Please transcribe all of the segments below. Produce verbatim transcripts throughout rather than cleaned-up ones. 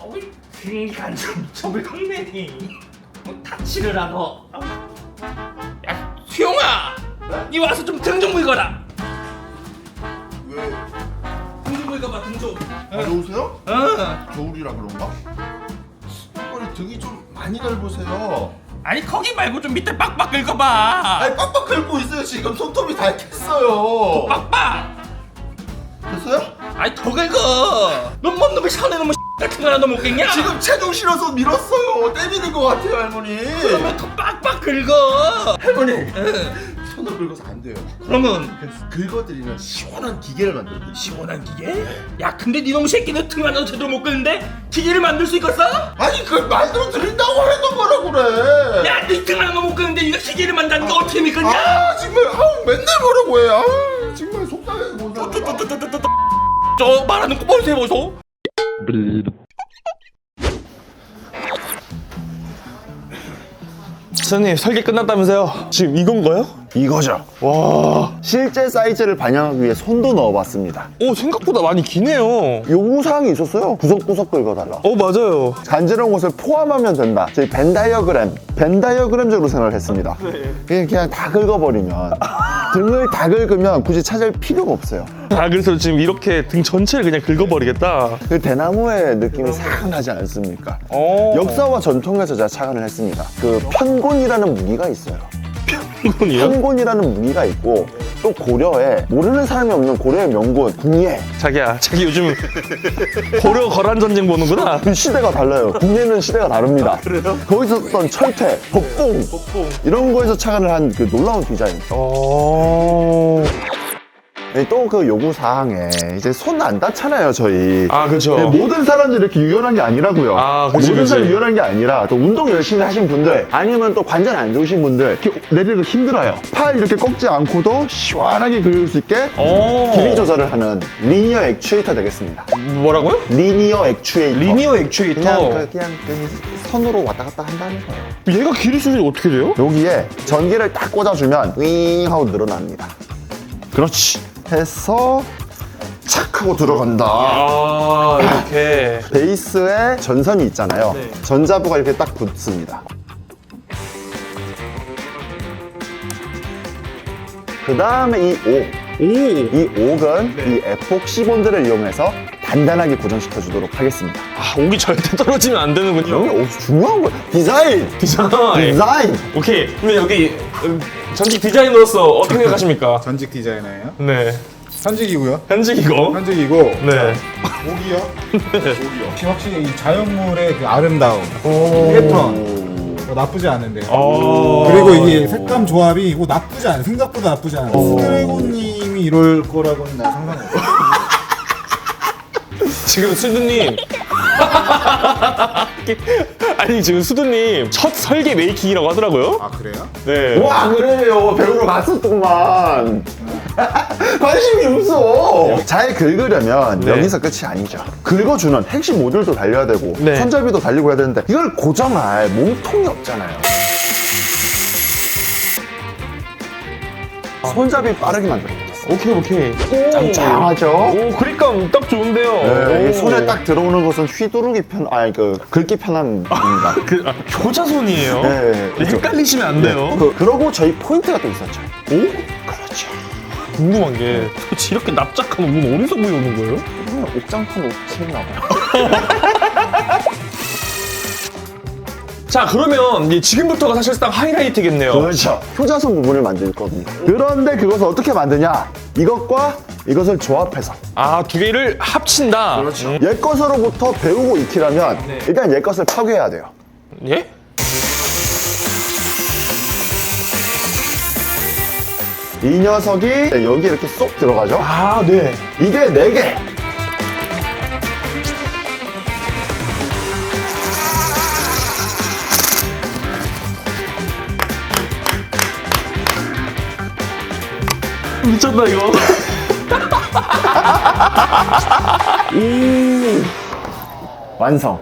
어이 그러니까 좀 저걸 긁네니 뭐 다치를 하노. 야 수용아, 네? 니 와서 좀 등 좀 긁어라. 왜? 등 좀 긁어봐 등 좀. 더우세요? 어. 겨울이라 그런가? 빨리 등이 좀 많이 넓으세요. 아니 거기 말고 좀 밑에 빡빡 긁어봐. 아니 빡빡 긁고 있어요. 지금 손톱이 다 캤어요. 빡빡. 됐어요? 아니 더 긁어. 넌뭔 놈의 샤넬 놈의 같은 거 하나 너 먹겠냐? 지금 체중 실어서 밀었어요. 때리는 것 같아요, 할머니. 그러면 더 빡빡 긁어. 할머니, 응. 손을 긁어서 안 돼요. 그러면 긁어드리는 시원한 기계를 만들어드릴게요. 시원한 기계? 야 근데 니놈 새끼는 등 하나도 제대로 못 긁는데 기계를 만들 수 있겠어? 아니 그걸 만들어 드린다고 해놓은 거라 그래. 야 니 등 하나도 못 긁는데 니가 기계를 만드는 게 어떻게 믿겠냐? 아 정말 아우 맨날 뭐라고 해. 아우 정말 속상해서 못 살아. 또또또또또또 저 말하는 거 보세요 보소. 선생님 설계 끝났다면서요? 지금 이건가요? 이거죠. 와, 실제 사이즈를 반영하기 위해 손도 넣어봤습니다. 오 생각보다 많이 기네요. 요구사항이 있었어요. 구석구석 긁어달라. 어 맞아요. 간지러운 곳을 포함하면 된다. 저희 벤 다이어그램, 벤 다이어그램적으로 생각을 했습니다. 그냥, 그냥 다 긁어버리면 등을 다 긁으면 굳이 찾을 필요가 없어요. 아 그래서 지금 이렇게 등 전체를 그냥 긁어버리겠다. 그 대나무의 느낌이 싹 나지 않습니까? 어. 역사와 전통에서 제가 착안을 했습니다. 그 편곤이라는 무기가 있어요. 이건이요? 편곤이라는 무기가 있고 또 고려에 모르는 사람이 없는 고려의 명군 궁예. 자기야, 자기 요즘 고려 거란 전쟁 보는구나. 그 시대가 달라요. 궁예는 시대가 다릅니다. 그래요? 거기서 썼던 철퇴, 법봉 뽕. 이런 거에서 착안을 한 그 놀라운 디자인. 어. 또 그 요구 사항에 이제 손 안 닿잖아요, 저희. 아 그렇죠. 네, 모든 사람들이 이렇게 유연한 게 아니라고요. 아, 그치, 모든 그치. 사람이 유연한 게 아니라 또 운동 열심히 하신 분들 아니면 또 관절 안 좋으신 분들 이렇게 내리기 힘들어요. 팔 이렇게 꺾지 않고도 시원하게 긁을 수 있게 어. 길이 조절을 하는 리니어 액추에이터 되겠습니다. 뭐라고요? 리니어 액추에이터. 리니어 액추에이터. 그냥 그, 그냥 그 선으로 왔다 갔다 한다는 거예요. 얘가 길이 수준이 어떻게 돼요? 여기에 전기를 딱 꽂아주면 윙 하고 늘어납니다. 그렇지. 해서 착 하고 들어간다. 아 이렇게. 베이스에 전선이 있잖아요. 네. 전자부가 이렇게 딱 붙습니다. 그 다음에 이 옥. 오. 이 옥은 네. 이 에폭시 본드를 이용해서 단단하게 고정시켜 주도록 하겠습니다. 아 옥이 절대 떨어지면 안 여기 되는군요. 옥 중요한 거야. 디자인! 디자인. 디자인! 오케이. 그럼 여기 음, 전직 디자이너로서 어떻게 생각하십니까? 전직 디자이너예요? 네. 현직이고요. 현직이고. 현직이고. 네. 목이요. 목이요. 혹시 확실히 이 자연물의 그 아름다움, 패턴 어, 나쁘지 않은데요. 어. 그리고 이게 색감 조합이 뭐 나쁘지 않아. 생각보다 나쁘지 않아. 스드래곤님이 이럴 거라고는 나 상상했어. 지금 수두님. 아니 지금 수두님 첫 설계 메이킹이라고 하더라고요. 아 그래요? 네. 와, 그래요. 배우러 갔었더만. 관심이 없어. 잘 긁으려면 네. 여기서 끝이 아니죠. 긁어주는 핵심 모듈도 달려야 되고 네. 손잡이도 달리고 해야 되는데 이걸 고정할 몸통이 없잖아요. 손잡이 빠르게 만들어보겠습니다. 오케이 오케이. 짱짱하죠? 오 그립감 딱 좋은데요. 네, 오. 이 손에 딱 들어오는 것은 휘두르기 편, 아니 그 긁기 편합니다. 그 아, 효자손이에요. 네, 그렇죠. 헷갈리시면 안 돼요. 그, 그러고 저희 포인트가 또 있었죠. 오? 그렇죠. 궁금한 게 도대체 이렇게 납작한 옷은 어디서 구해오는 거예요? 그러면 옥장판 옷이나 봐요. 자 그러면 이제 지금부터가 사실상 하이라이트겠네요. 그렇죠. 효자손 부분을 만들 겁니다. 그런데 그것을 어떻게 만드냐? 이것과 이것을 조합해서 아 두 개를 합친다. 그렇죠. 옛 것으로부터 배우고 익히려면 네. 일단 옛 것을 파괴해야 돼요. 예? 이 녀석이 여기 이렇게 쏙 들어가죠. 아 네. 이게 네 개. 미쳤다 이거. 완성.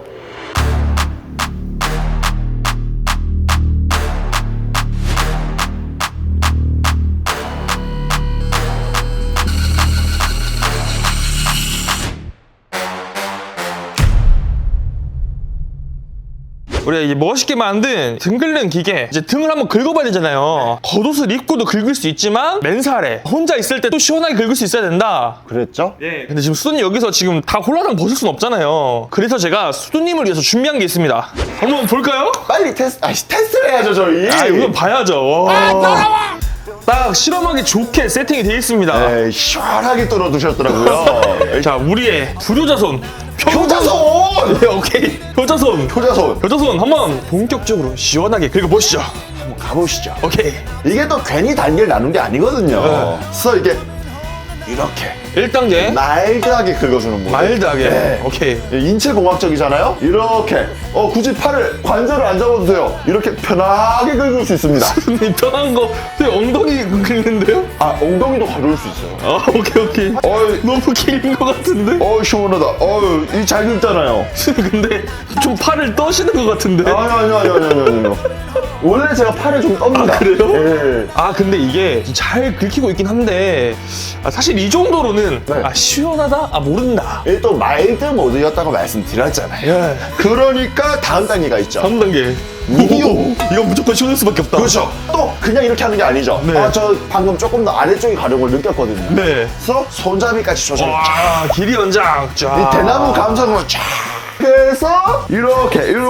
우리가 이제 멋있게 만든 등 긁는 기계. 이제 등을 한번 긁어봐야 되잖아요. 겉옷을 입고도 긁을 수 있지만 맨살에 혼자 있을 때 또 시원하게 긁을 수 있어야 된다. 그랬죠? 예. 근데 지금 수두님 여기서 지금 다 홀라당 벗을 순 없잖아요. 그래서 제가 수두님을 위해서 준비한 게 있습니다. 한번 볼까요? 빨리 테스트, 아니 테스트를 해야죠 저희. 아, 이건 봐야죠. 와. 딱 실험하기 좋게 세팅이 되어 있습니다. 네, 시원하게 떨어두셨더라고요. 자, 우리의 불효자손. 효자손! 네, 오케이. 효자손. 효자손. 효자손 한번 본격적으로 시원하게 긁어보시죠. 한번 가보시죠. 오케이. 이게 또 괜히 단계를 나눈 게 아니거든요. 그래서 이게 이렇게 일 단계. 마일드하게 긁어주는 모습. 마일드하게. 네. 오케이. 인체 공학적이잖아요. 이렇게 어 굳이 팔을 관절을 안 잡아도 돼요. 이렇게 편하게 긁을 수 있습니다. 편한 거 되게 엉덩이 긁는데요? 아 엉덩이도 가려울 수 있어요. 아, 오케이, 오케이. 어이, 너무 길인 것 같은데? 어 시원하다. 어 이 잘 긁잖아요. 근데 좀 팔을 떠시는 것 같은데? 아니 아니 아니 아니 아니 아니. 원래 제가 팔을 좀 떱니다. 아, 그래요? 예. 아, 근데 이게 잘 긁히고 있긴 한데 아, 사실 이 정도로는 네. 아, 시원하다? 아, 모른다. 이게 또 마일드 모드였다고 말씀드렸잖아요. 예. 그러니까 다음 단계가 있죠. 다음 단계. 미디어. 이건 무조건 시원할 수밖에 없다. 그렇죠. 또 그냥 이렇게 하는 게 아니죠. 네. 아, 저 방금 조금 더 아래쪽이 가려운 걸 느꼈거든요. 네. 그래서 손잡이까지 조절. 와, 길이 연장. 쫙. 이 대나무 감성으로 쫙 해서 이렇게 이렇게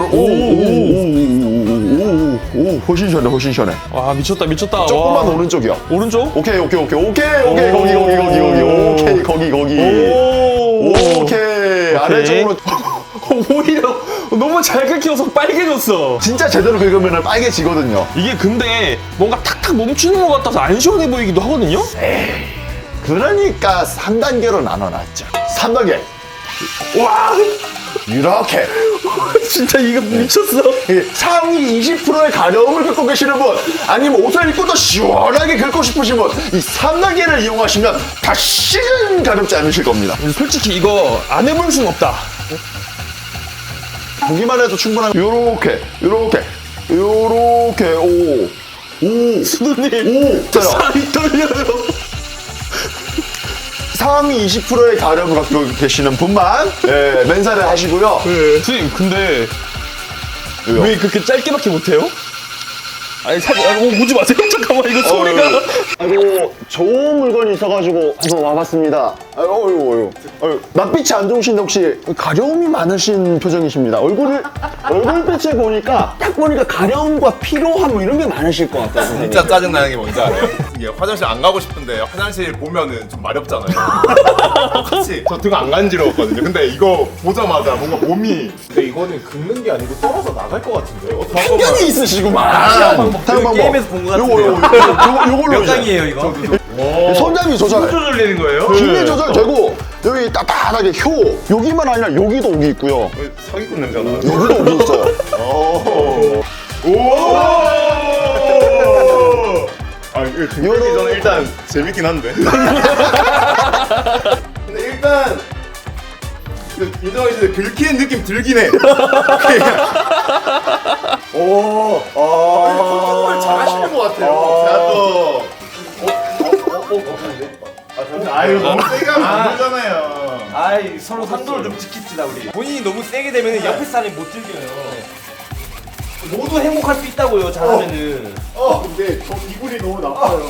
오오오오오오오 훨씬 시원해 훨씬 시원해. 와, 미쳤다, 미쳤다. 조금만 와. 오른쪽이요. 오른쪽? 오케이 오케이 오케이 오케이 오케이 오. 거기 거기 거기 거기 오케이 거기 거기 오. 오케이 아래쪽으로 오히려 너무 잘 긁혀서 빨개졌어. 진짜 제대로 긁으면 빨개지거든요. 이게 근데 뭔가 탁탁 멈추는 것 같아서 안 시원해 보이기도 하거든요? 그러니까 삼 단계로 나눠놨죠. 삼 단계 와, 이렇게 진짜 이거 미쳤어. 이 상위 이십 퍼센트의 가려움을 긁고 계시는 분 아니면 옷을 입고 더 시원하게 긁고 싶으신 분 이 삼 단계를 이용하시면 다시는 가렵지 않으실 겁니다. 솔직히 이거 안 해볼 순 없다. 보기만 해도 충분한 요렇게 요렇게 요렇게 오오 수두님, 오 살이 떨려요. 상위 이십 퍼센트의 가려움을 갖고 계시는 분만 예, 맨살을 하시고요. 수님, 근데 왜요? 왜 그렇게 짧게밖에 못해요? 아니, 사, 아, 어, 오지 마세요. 잠깐만, 이거 소리가. 아이고 좋은 물건이 있어가지고 한번 와봤습니다. 아유, 어유, 어유, 어유. 낯빛이 안 좋으신데 혹시 가려움이 많으신 표정이십니다. 얼굴을 얼굴빛을 보니까 딱 보니까 가려움과 피로함 뭐 이런 게 많으실 것 같아요. 선생님. 진짜 짜증나는 게 뭔지 알아요? 이게 화장실 안 가고 싶은데 화장실 보면은 좀 마렵잖아요. 같이 저 등 안 간지러웠거든요. 근데 이거 보자마자 뭔가 몸이 근데 이거는 긁는 게 아니고 떨어져 나갈 것 같은데요? 편견이 있으시구만. 다른 방법. 게임에서 본것 요거 요거 요거 요걸로 몇 이제 강이에요 이거? 손잡이 조절. 조절되는 거예요? 길이 조절되고 여기 따뜻하게 효 여기만 아니라 여기도 오기 있고요. 사기꾼 냄새가 나요. 여기도 오기 있어요. 아 이거 등록이 저는 일단 재밌긴 한데. 근데 일단 인정해 주세요. 긁히는 느낌 들긴 해. 오, 컨트롤 잘하시는 것 같아요. 제가 또. 아유 너무 세게 하면 안 되잖아요. 아이 서로 산도를 좀 지킵시다 우리. 본인이 너무 세게 되면 옆에 사람이 못 즐겨요. 모두 행복할 수 있다고요 잘하면은. 어 근데 저 기분이 너무 나빠요.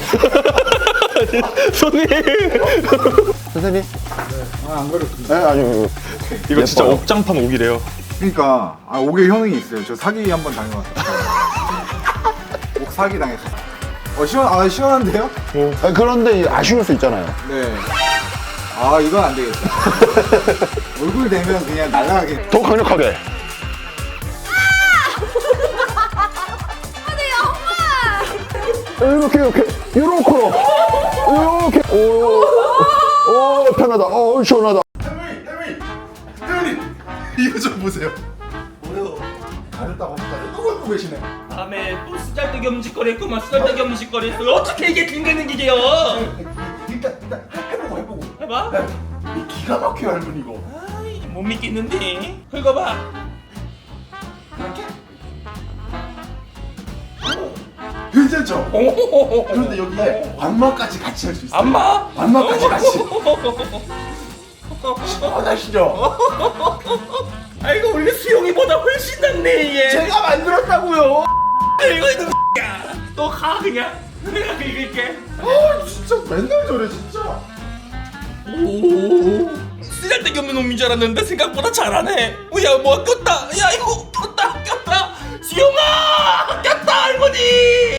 손님. 선생님. 아안 그래도 네, 아니요. 이거 진짜 예뻐요. 옥장판 옥이래요. 그러니까 아 옥에 효능이 있어요. 저 사기 한 번 당해봤어요. 옥 사기 당했어요. 어 시원 아 시원한데요? 아, 그런데 아쉬울 수 있잖아요. 네. 아 이건 안 되겠다. 얼굴 되면 그냥 날아가게. 더 강력하게. 이렇게 이렇게 이렇게 이렇게 오오 편하다. 어 시원하다. 혜미 혜미 혜미 이거 좀 보세요. 잘했다고 다들 떠벌고 계시네. 다음에 또 쓰잘데기 엄지거리 했구만. 쓰잘데기 엄지거리 했어. 어떻게 이게 긁는 기계요? 일단 일단 해보고 해보고. 해봐. 이 기가 막혀 얇은 이거. 아이 못 믿겠는데. 긁어봐. 괜찮죠? 오호호호. 그런데 여기에 완마까지 같이 할 수 있어요. 안마? 완마까지 같이. 시원하시죠? 아 이거 올릴 수 수영이보다 훨씬 낫네 얘. 제가 만들었다고요. 이거 이놈 야. 너 가 그냥. 내가 긁을게. 아 진짜 맨날 저래 진짜. 오. 쓰잘데기 없는 놈인 줄 알았는데 생각보다 잘하네. 야, 뭐 아꼈다. 야, 이거